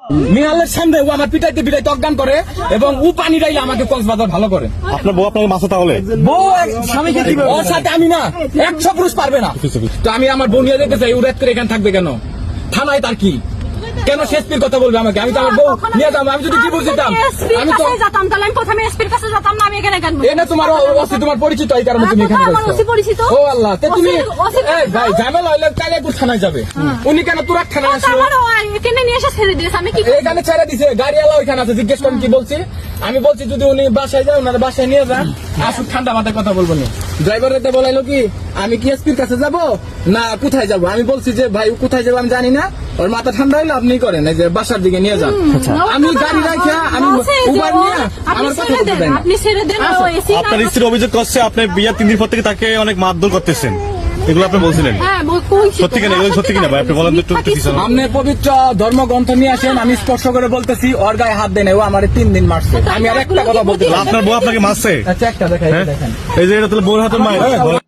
মিনালের সামনে ও আমার পিটাইতে পিটাইতে অজ্ঞান করে এবং ও পানি ডাইলে আমাকে কক্সবাজার ভালো করে। আপনার বউ আপনাকে মাসে তাহলে বউ স্বামীকে কি ওর সাথে আমি না 100 পুরুষ পারবে না। তো আমি আমার বোন নিয়ে যেতে চাই, ও রাত করে এখানে থাকবে কেন? থানায় তার কি? কেন শেষপির কথা বলবে আমাকে? আমি তো আমার বউ নিয়ে যাবো। আমি যদি কি বলছিলাম আমি তো যেতাম, তাহলে আমি প্রথমে এসপির কাছে যেতাম না, আমি এখানে কেন? এ না তোমার ওসি তোমার পরিচিত, এই কারণে তুমি এখানে আমার ওসি পরিচিত। ও আল্লাহ, তে তুমি ওসি এই ভাই ঝামেলা হইলে তাইলে একটু থানায় যাবে। উনি কেন তোরা থানায় আসলো? আমার এখানে নিয়ে এসে ছেড়ে দিয়েছে, আমি কি এখানে ছেড়ে দিছে, গাড়িওয়ালা ওইখানে আছে, জিজ্ঞেস করেন কি বলছি। আমি বলছি যদি উনি বাসায় যায় ওনার বাসায় নিয়ে যান, আসুক, ঠান্ডা মাথায় কথা বলবো না। ড্রাইভারতে বলাইলো কি আমি কি এসপির কাছে যাব না কোথায় যাব? আমি বলছি যে ভাই কোথায় যাবো আমি জানি না, ওর মাথা ঠান্ডা হইলো আপনি করেন, এই যে বাসার দিকে নিয়ে যান। আমি গাড়ি রাখা আমি উবার নিয়ে আমার কথা বলতে দেন। আপনি ছেড়ে দেন। ও এসি আপনার স্ত্রী অভিযোগ করছে আপনি বিয়ের 3 দিন পর থেকে তাকে অনেক মারধর করতেছেন, এগুলো আপনি বলছিলেন হ্যাঁ কইছি। সত্যি কিনা? এগুলো সত্যি কিনা ভাই? আপনি বলেন তো একটু কিছু। আপনি পবিত্র ধর্মগ্রন্থ নিয়ে আসেন, আমি স্পর্শ করে বলতেছি ওর গায়ে হাত দেন, ও আমার 3 দিন মারছে। আমি আর একটা কথা বলতে আপনার বউ আপনাকে মারছে? আচ্ছা একটা দেখাই, হ্যাঁ? দেখেন এই যে এটা তাহলে বউর হাতের মায়ের